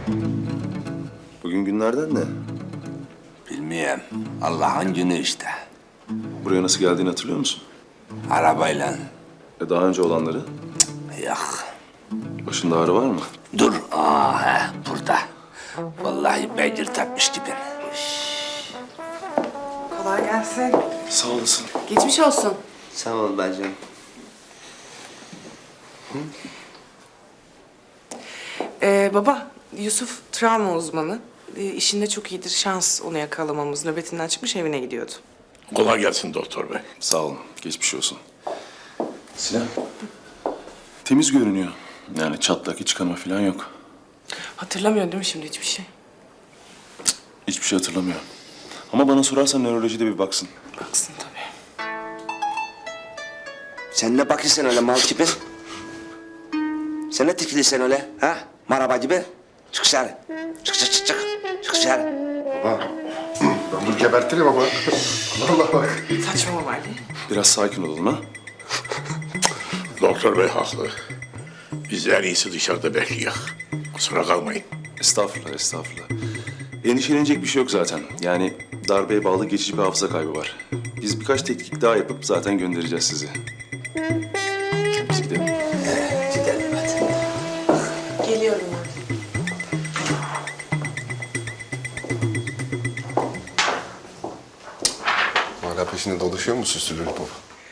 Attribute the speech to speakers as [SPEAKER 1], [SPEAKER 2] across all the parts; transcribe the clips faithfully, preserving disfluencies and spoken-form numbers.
[SPEAKER 1] Bugün günlerden ne?
[SPEAKER 2] Bilmiyorum. Allah'ın günü işte.
[SPEAKER 1] Buraya nasıl geldiğini hatırlıyor musun?
[SPEAKER 2] Arabayla.
[SPEAKER 1] E daha önce olanları?
[SPEAKER 2] Yok.
[SPEAKER 1] Başında ağrı var mı?
[SPEAKER 2] Dur. Aa, he, burada. Vallahi beygir tapmıştı beni.
[SPEAKER 3] Kolay gelsin.
[SPEAKER 1] Sağ olasın.
[SPEAKER 3] Geçmiş olsun.
[SPEAKER 2] Sağ ol bacım.
[SPEAKER 3] Ee, baba, Yusuf travma uzmanı. Ee, işinde çok iyidir. Şans onu yakalamamız. Nöbetinden çıkmış evine gidiyordu.
[SPEAKER 4] Kolay gelsin doktor bey.
[SPEAKER 1] Sağ olun. Geçmiş olsun. Sinan. Temiz görünüyor. Yani çatlak, iç kanama falan yok.
[SPEAKER 3] Hatırlamıyor değil mi şimdi hiçbir şey?
[SPEAKER 1] Hiçbir şey hatırlamıyor. Ama bana sorarsan nörolojide bir baksın.
[SPEAKER 3] Baksın tabii.
[SPEAKER 2] Sen ne bakıyorsun öyle mal gibi? Sen ne tikiliyorsun öyle? Ha? Maraba gibi. Çık dışarı. Çık çık çık çık. Çık dışarı.
[SPEAKER 5] Baba, ben bunu gebertirim ama. Allah bak.
[SPEAKER 3] Saçmalama Ali.
[SPEAKER 1] Biraz sakin olalım ha.
[SPEAKER 4] Doktor bey haklı. Biz en iyisi dışarıda bekliyor. Kusura kalmayın.
[SPEAKER 1] Estağfurullah, estağfurullah. Endişelenecek bir şey yok zaten. Yani darbeye bağlı geçici bir hafıza kaybı var. Biz birkaç tetkik daha yapıp zaten göndereceğiz sizi. Biz gidelim.
[SPEAKER 2] Gidelim hadi.
[SPEAKER 3] Geliyorum ben.
[SPEAKER 5] Hala peşinde dolaşıyor mu süslü lollipop?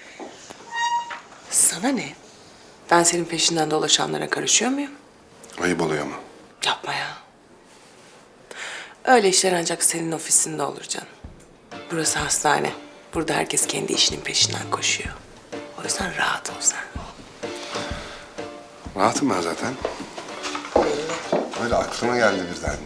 [SPEAKER 3] Sana ne? Ben senin peşinden dolaşanlara karışıyor muyum?
[SPEAKER 5] Ayıp oluyor ama.
[SPEAKER 3] Yapma ya. Öyle işler ancak senin ofisinde olur canım. Burası hastane. Burada herkes kendi işinin peşinden koşuyor. O yüzden rahat ol sen.
[SPEAKER 5] Rahatım ben zaten. Öyle aklıma geldi birden.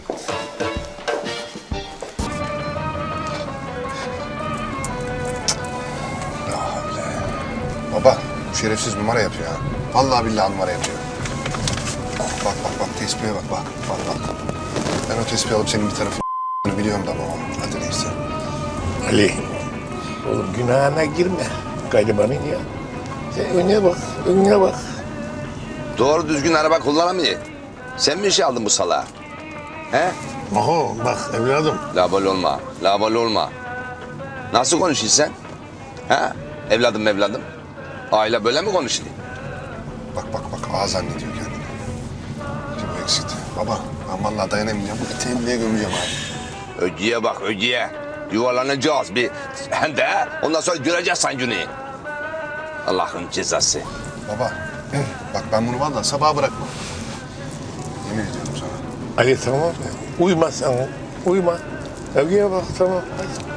[SPEAKER 5] Ya öyle. Baba, bu şerefsiz numara yapıyor ha. Vallahi billahi numara yapıyor. Bak bak bak, tespihe bak bak. Bak bak. Ben o tespihi alıp senin bir tarafını biliyorum da baba. Hadi neyse.
[SPEAKER 4] Ali. Oğlum günahına girme. Garibanın ya. Sen önüne bak, önüne bak.
[SPEAKER 2] Doğru düzgün araba kullanamıyor. Sen mi işe aldın bu salağı? He?
[SPEAKER 4] Oho bak evladım.
[SPEAKER 2] Labal olma, labal olma. Nasıl konuşuyorsun sen? He? Evladım evladım. Aile böyle mi konuşuyor?
[SPEAKER 5] Bak bak bak, ağa zannediyor kendini. Bir bu eksikti. Baba, ben vallahi dayanamayacağım. Bu eteğimi niye gömeceğim abi?
[SPEAKER 2] Öcüye bak öcüye. Yuvarlanacağız bir. Hem de ondan sonra göreceğiz sen günü. Allah'ın cezası.
[SPEAKER 5] Baba, bak ben bunu vallahi sabaha bırakmam. Yemin ediyorum sana.
[SPEAKER 4] Ali tamam mı? Uyuma sen, uyuma. Evliye bak tamam. Hadi.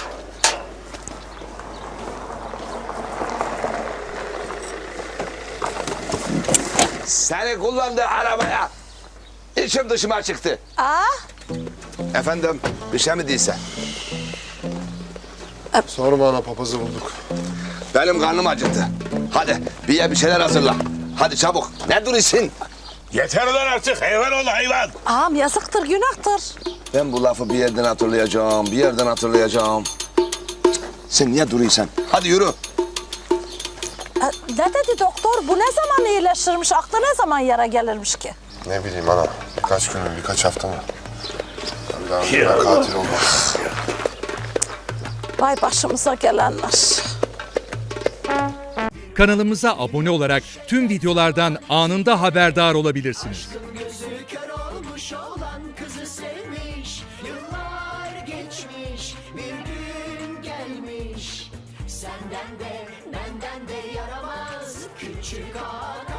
[SPEAKER 2] Seni kullandığı arabaya içim dışıma çıktı.
[SPEAKER 6] Aa,
[SPEAKER 2] Efendim bir şey mi değilse?
[SPEAKER 5] Sorma ana, papazı bulduk.
[SPEAKER 2] Benim karnım acıktı. Hadi bir ye bir şeyler hazırla. Hadi çabuk. Ne duruyorsun?
[SPEAKER 4] Yeter lan artık hayvan ol hayvan.
[SPEAKER 6] ağam yazıktır, günahtır.
[SPEAKER 2] Ben bu lafı bir yerden hatırlayacağım, bir yerden hatırlayacağım. Sen niye duruyorsun? Hadi yürü.
[SPEAKER 6] E, ne dedi doktor? Bu ne zaman iyileşirmiş? Aklı ne zaman yara gelirmiş ki?
[SPEAKER 5] Ne bileyim ana, birkaç gün mü, birkaç hafta mı? Ben daha önce ben katil olmam.
[SPEAKER 6] Vay başımıza gelenler.
[SPEAKER 7] Kanalımıza abone olarak tüm videolardan anında haberdar olabilirsiniz.
[SPEAKER 8] Gözü kör olmuş olan kızı sevmiş. Yıllar geçmiş, bir gün gelmiş. Senden de benden de yaramaz küçük ağa.